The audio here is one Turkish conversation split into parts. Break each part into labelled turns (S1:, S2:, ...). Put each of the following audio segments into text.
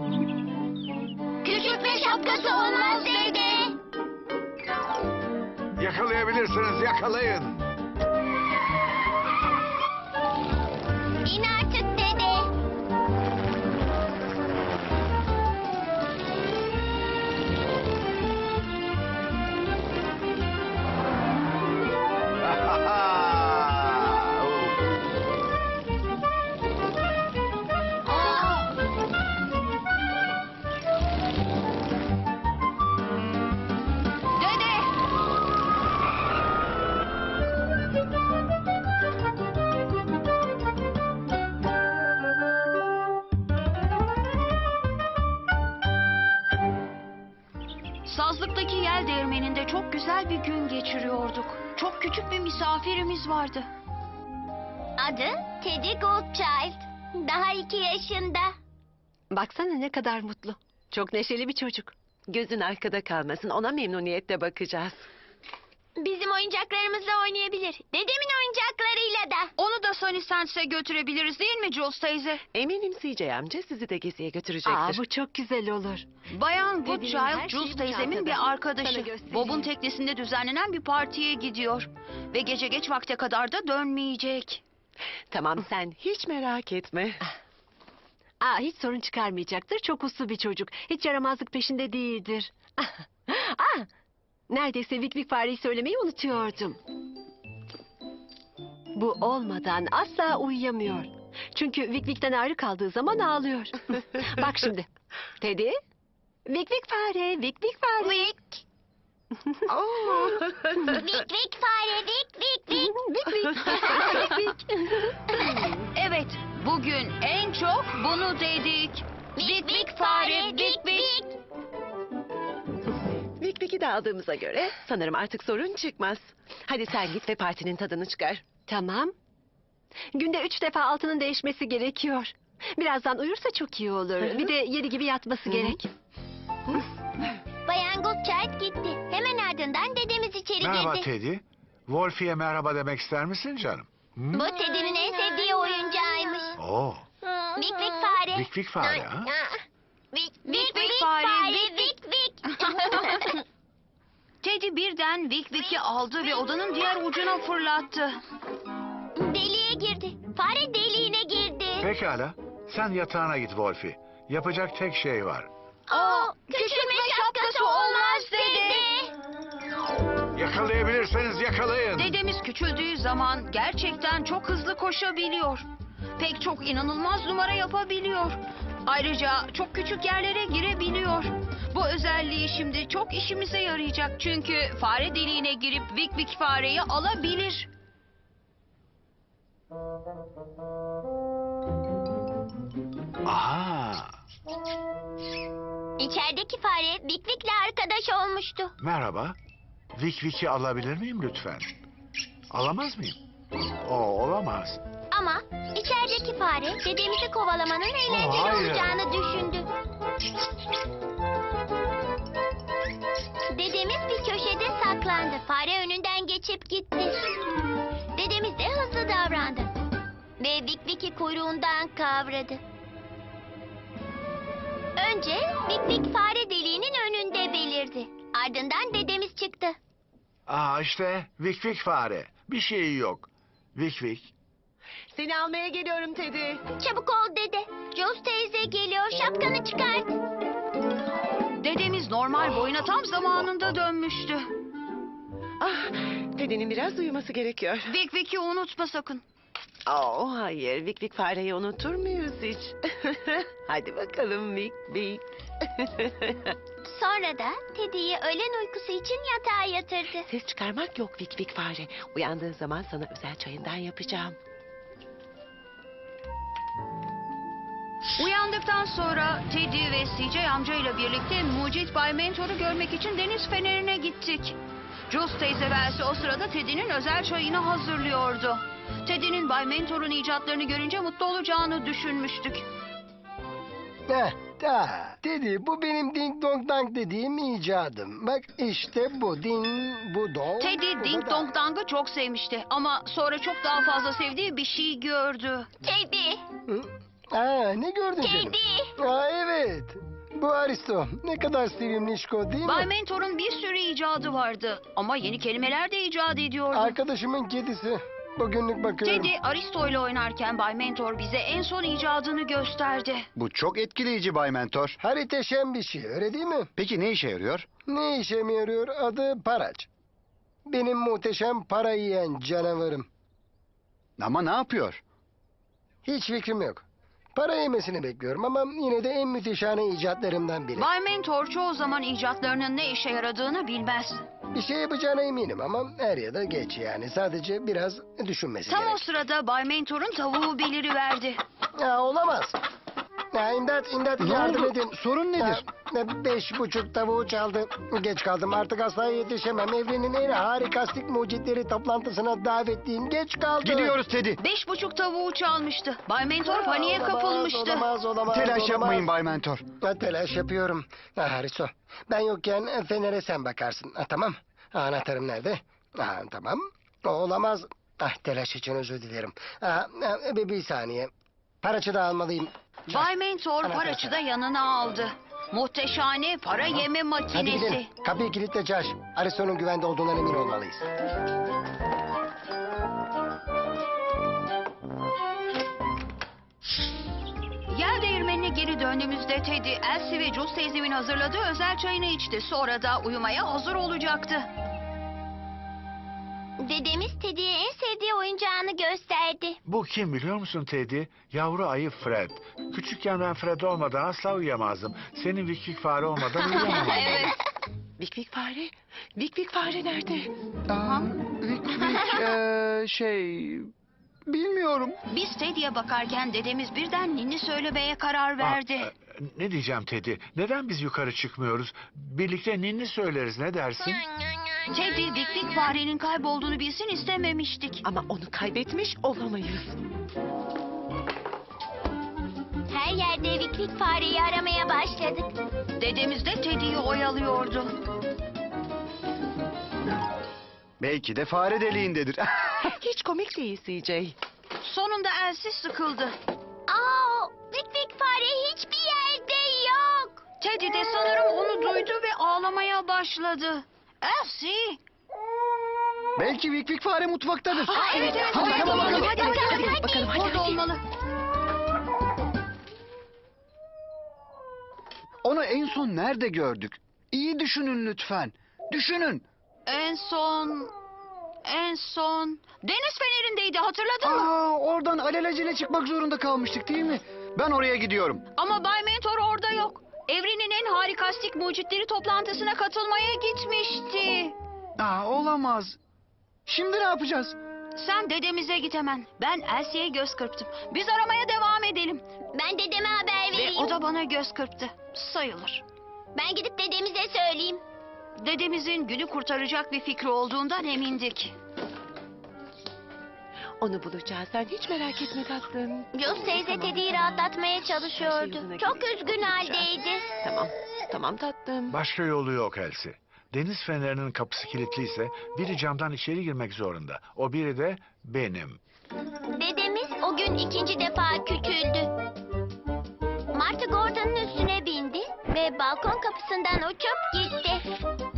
S1: Küçültme şapkası olmaz dede.
S2: Yakalayabilirsiniz, yakalayın.
S1: İn artık dede.
S3: Dede! Sazlıktaki yel değirmeninde çok güzel bir gün geçiriyorduk. Çok küçük bir misafirimiz vardı.
S1: Adı Teddy Goldchild. Daha 2 yaşında.
S4: Baksana ne kadar mutlu. Çok neşeli bir çocuk. Gözün arkada kalmasın. Ona memnuniyetle bakacağız.
S1: Bizim oyuncaklarımızla oynayabilir. Dedemin oyuncaklarıyla da.
S3: Onu da Sunny Sands'e götürebiliriz değil mi Jules teyze?
S4: Eminim CJ amca sizi de geziye götürecektir.
S5: Bu çok güzel olur.
S3: Bayan
S4: Dediğin her
S3: Goodchild,
S4: şey
S3: Jules
S4: bu
S3: teyzemin
S4: çantada.
S3: bir
S4: Sana
S3: arkadaşı.
S4: göstereyim.
S3: Bob'un teknesinde düzenlenen bir partiye gidiyor. Ve gece geç vakte kadar da dönmeyecek.
S4: Tamam sen hiç merak etme.
S5: Hiç sorun çıkarmayacaktır. Çok uslu bir çocuk. Hiç yaramazlık peşinde değildir. Neredeyse Vik Vik fareyi söylemeyi unutuyordum. Bu olmadan asla uyuyamıyor. Çünkü Vik Vik'ten ayrı kaldığı zaman ağlıyor. Bak şimdi. Teddy. Vik Vik fare, Vik Vik fare.
S1: Vik. Vik vik fare, vik vik vik.
S5: Vik Vik. Vik Vik.
S3: Evet, bugün en çok bunu dedik.
S1: Vik vik fare, vik vik.
S4: Vik Vik'i de aldığımıza göre sanırım artık sorun çıkmaz. Hadi sen git ve partinin tadını çıkar.
S5: Tamam. Günde 3 defa altının değişmesi gerekiyor. Birazdan uyursa çok iyi olur. Bir de 7 gibi yatması gerek.
S1: Bayan Goodchild gitti. Hemen ardından dedemiz içeri
S2: Merhaba
S1: girdi.
S2: Teddy. Wolfie'ye merhaba demek ister misin canım? Hı?
S1: Bu Teddy'nin en sevdiği oyuncağıymış.
S2: Oo,
S1: Vik vik fare.
S2: Vik Vik fare ha?
S1: Vik
S3: Vik
S1: vik
S3: fare,
S1: fare,
S3: vik
S1: vik vik.
S3: Teddy birden Vik Vik'i aldı ve odanın diğer ucuna fırlattı.
S1: Deliğe girdi. Fare deliğine girdi.
S2: Pekala. Sen yatağına git Wolfie. Yapacak tek şey var.
S1: Küçülme şapkası olmaz dede.
S2: Yakalayabilirseniz yakalayın.
S3: Dedemiz küçüldüğü zaman gerçekten çok hızlı koşabiliyor. Pek çok inanılmaz numara yapabiliyor. Ayrıca çok küçük yerlere girebiliyor. Bu özelliği şimdi çok işimize yarayacak. Çünkü fare deliğine girip Vik Vik fareyi alabilir.
S2: Aha.
S1: İçerideki fare Vik Vik'le arkadaş olmuştu.
S2: Merhaba. Vik Vik'i alabilir miyim lütfen? Alamaz mıyım? Olamaz.
S1: Ama içerideki fare dedemizi kovalamanın eğlenceli
S2: hayır.
S1: olacağını düşündü. Dedemiz bir köşede saklandı. Fare önünden geçip gitti. Dedemiz de hızlı davrandı. Ve Vik Vik'i kuyruğundan kavradı. Önce Vik Vik fare deliğinin önünde belirdi. Ardından dedemiz çıktı.
S2: İşte Vik Vik fare. Bir şey yok. Vik Vik.
S4: Seni almaya geliyorum Teddy.
S1: Çabuk ol dede. Jules teyze geliyor. Şapkanı çıkart.
S3: Dedemiz normal boyuna tam zamanında dönmüştü.
S4: Teddy'nin biraz uyuması gerekiyor.
S3: Vik Vik'i unutma sakın.
S4: Hayır, Vik Vik fareyi unutur muyuz hiç? Hadi bakalım Vik Vik.
S1: Sonra da Teddy'yi öğlen uykusu için yatağa yatırdı.
S4: Ses çıkarmak yok Vik Vik fare. Uyandığın zaman sana özel çayından yapacağım.
S3: Uyandıktan sonra Teddy ve CJ amcayla birlikte mucit Bay Mentor'u görmek için deniz fenerine gittik. Jules teyze ve Elsie o sırada Teddy'nin özel çayını hazırlıyordu. Teddy'nin Bay Mentor'un icatlarını görünce mutlu olacağını düşünmüştük.
S6: Teddy, bu benim ding dong dang dediğim icadım. Bak işte bu ding, bu dong.
S3: Teddy
S6: bu
S3: Ding
S6: da
S3: Dong Dang'ı çok sevmişti ama sonra çok daha fazla sevdiği bir şey gördü.
S1: Teddy.
S6: Hı? Ne gördün canım?
S1: Kedi.
S6: Evet. Bu Aristo. Ne kadar sevimlişko değil mi?
S3: Bay Mentor'un bir sürü icadı vardı. Ama yeni kelimeler de icat ediyordu.
S6: Arkadaşımın kedisi. Bugünlük bakıyorum.
S3: Teddy Aristo ile oynarken Bay Mentor bize en son icadını gösterdi.
S7: Bu çok etkileyici Bay Mentor.
S6: Hariteşen bir şey, öyle değil mi?
S7: Peki ne işe yarıyor?
S6: Ne işe mi yarıyor? Adı Paraç. Benim muhteşem para yiyen canavarım.
S7: Ama ne yapıyor?
S6: Hiç fikrim yok. Para yemesini bekliyorum ama yine de en müthişane icatlarımdan biri.
S3: Bay Mentor çoğu zaman icatlarının ne işe yaradığını bilmez.
S6: Bir şey yapacağına eminim ama er ya da geç yani. Sadece biraz düşünmesi
S3: Tam o
S6: gerek.
S3: sırada Bay Mentor'un tavuğu beliriverdi.
S6: Olamaz. İmdat
S7: Ne
S6: yardım
S7: oldu?
S6: edin.
S7: Sorun nedir?
S6: 5,5 tavuğu çaldı. Geç kaldım, artık asla yetişemem. Evrenin en harikastik mucitleri toplantısına davetliyim. Geç kaldım.
S7: Gidiyoruz Teddy.
S3: 5,5 tavuğu çalmıştı. Bay Mentor paniğe
S6: Olamaz,
S3: kapılmıştı.
S6: Olamaz.
S7: Telaş yapmayın Bay Mentor.
S6: Telaş yapıyorum. Hariso, ben yokken Fener'e sen bakarsın. Tamam. Anahtarım nerede? Tamam. Olamaz. Telaş için özür dilerim. Bir saniye. Paraçı da almalıyım.
S3: Bay Mentor paraçı da yanına aldı. Muhteşane para yeme
S6: Hadi
S3: makinesi.
S6: gidelim. Kapıyı kilitle Josh. Aristo'nun güvende olduğundan emin olmalıyız.
S3: Yel değirmenine geri döndüğümüzde Teddy, Elsie ve Jules teyzemin hazırladığı özel çayını içti. Sonra da uyumaya hazır olacaktı.
S1: Dedemiz Teddy'ye en sevdiği oyuncağını gösterdi.
S2: Bu kim biliyor musun Teddy? Yavru ayı Fred. Küçükken ben Fred olmadan asla uyuyamazdım. Senin Vik fare olmadan uyuyamam.
S3: Evet.
S4: Vik Vik fare? Vik Vik fare nerede?
S7: Bilmiyorum.
S3: Biz Teddy'ye bakarken dedemiz birden ninni söylemeye karar verdi.
S2: Ne diyeceğim Teddy? Neden biz yukarı çıkmıyoruz? Birlikte ninni söyleriz, ne dersin?
S3: Teddy, Vik Vik farenin kaybolduğunu bilsin istememiştik.
S4: Ama onu kaybetmiş olamayız.
S1: Her yerde Vik Vik fareyi aramaya başladık.
S3: Dedemiz de Teddy'yi oyalıyordu.
S7: Belki de fare deliğindedir.
S4: Hiç komik değil CJ.
S3: Sonunda Elsie sıkıldı.
S1: Vik Vik fare hiçbir yerde yok.
S3: Teddy de sanırım onu duydu ve ağlamaya başladı. Elsie!
S7: Belki Vik Vik fare mutfaktadır.
S3: Evet.
S7: Hadi
S3: Hadi
S7: bakalım.
S3: hadi.
S4: Bakalım hadi.
S3: Orada olmalı.
S7: Onu en son nerede gördük? İyi düşünün lütfen. Düşünün.
S3: En son deniz fenerindeydi, hatırladın mı?
S7: Oradan alelacele çıkmak zorunda kalmıştık değil mi? Ben oraya gidiyorum.
S3: Ama Bay Mentor orada yok. Evrenin en harikastik mucitleri toplantısına katılmaya gitmişti.
S7: Olamaz. Şimdi ne yapacağız?
S3: Sen dedemize git hemen. Ben Elsie'ye göz kırptım. Biz aramaya devam edelim.
S1: Ben dedeme haber
S3: Ve
S1: vereyim.
S3: o da bana göz kırptı. Sayılır.
S1: Ben gidip dedemize söyleyeyim.
S3: Dedemizin günü kurtaracak bir fikri olduğundan emindik.
S4: Onu bulacağız. Sen hiç merak etme tatlım.
S1: Jules teyze Teddy'yi rahatlatmaya çalışıyordu. Çok üzgün haldeydi.
S4: Tamam tatlım.
S2: Başka yolu yok Elsie. Deniz fenerinin kapısı kilitliyse biri camdan içeri girmek zorunda. O biri de benim.
S1: Dedemiz o gün ikinci defa küçüldü. Martı Gordon'un üstüne bindi ve balkon kapısından uçup gitti.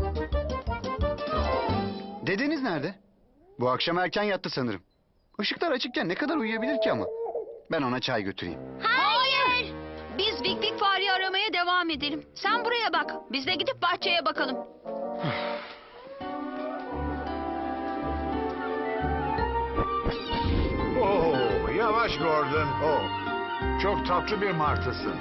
S7: Dedeniz nerede? Bu akşam erken yattı sanırım. Işıklar açıkken ne kadar uyuyabilir ki ama? Ben ona çay götüreyim.
S1: Hayır!
S3: Biz Vik Vik fareyi aramaya devam edelim. Sen buraya bak. Biz de gidip bahçeye bakalım.
S2: Yavaş Gordon. Çok tatlı bir martısın.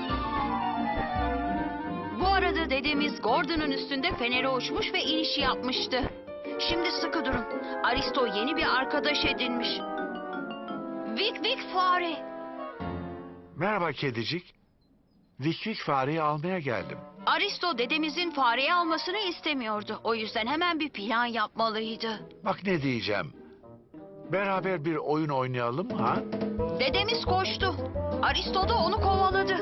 S3: Bu arada dedemiz Gordon'un üstünde fenere uçmuş ve iniş yapmıştı. Şimdi sıkı durun. Aristo yeni bir arkadaş edinmiş. Vik Vik fare.
S2: Merhaba kedicik. Vik fareyi almaya geldim.
S3: Aristo dedemizin fareyi almasını istemiyordu. O yüzden hemen bir plan yapmalıydı.
S2: Bak ne diyeceğim. Beraber bir oyun oynayalım mı ha?
S3: Dedemiz koştu. Aristo da onu kovaladı.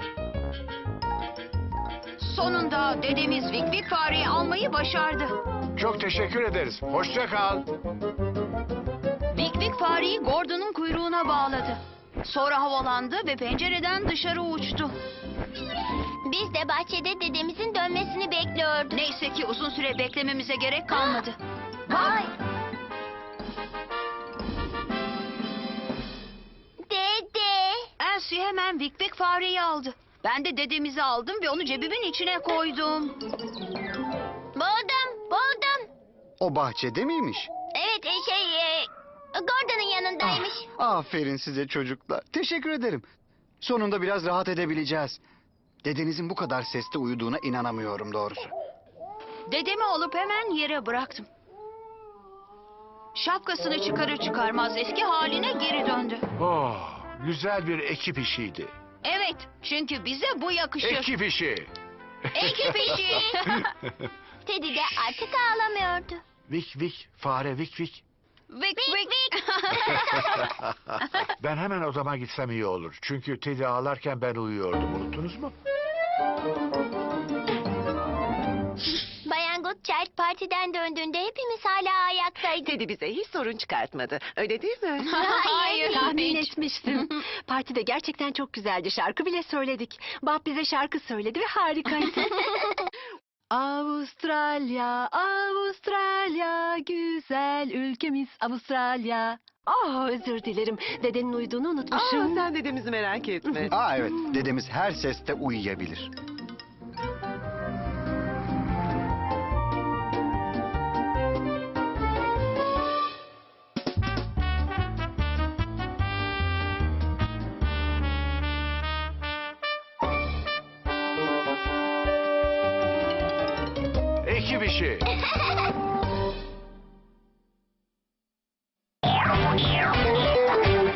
S3: Sonunda dedemiz Vik Vik fareyi almayı başardı.
S2: Çok teşekkür ederiz. Hoşça kal.
S3: Vik Vik fareyi Gordon'un kuyruğuna bağladı. Sonra havalandı ve pencereden dışarı uçtu.
S1: Biz de bahçede dedemizin dönmesini bekliyorduk.
S3: Neyse ki uzun süre beklememize gerek kalmadı.
S1: Vay! Dede!
S3: Elsie hemen Vik Vik fareyi aldı. Ben de dedemizi aldım ve onu cebimin içine koydum.
S1: Buldum.
S7: O bahçede miymiş?
S1: Evet, Gordon'un yanındaymış.
S7: Aferin size çocuklar. Teşekkür ederim. Sonunda biraz rahat edebileceğiz. Dedenizin bu kadar seste uyuduğuna inanamıyorum doğrusu.
S3: Dedemi alıp hemen yere bıraktım. Şapkasını çıkarır çıkarmaz eski haline geri döndü.
S2: Oh, güzel bir ekip işiydi.
S3: Evet, çünkü bize bu yakışır.
S2: Ekip işi.
S3: Ekip işi.
S1: Teddy de artık ağlamıyordu.
S2: Vik Vik, fare Vik Vik.
S3: Vik Vik.
S2: Ben hemen odama gitsem iyi olur. Çünkü Teddy ağlarken ben uyuyordum. Unuttunuz mu?
S1: Bayan Goodchild partiden döndüğünde hepimiz hala ayaktaydık.
S4: Teddy bize hiç sorun çıkartmadı. Öyle değil mi?
S3: Hayır,
S5: Tahmin
S3: hiç.
S5: etmiştim. Partide gerçekten çok güzeldi. Şarkı bile söyledik. Bob bize şarkı söyledi ve harikaydı. Avustralya, Avustralya, güzel ülkemiz Avustralya. Özür dilerim. Dedenin uyuduğunu unutmuşum.
S4: Sen dedemizi merak etme.
S7: Evet, dedemiz her seste uyuyabilir.
S2: Ekip işi.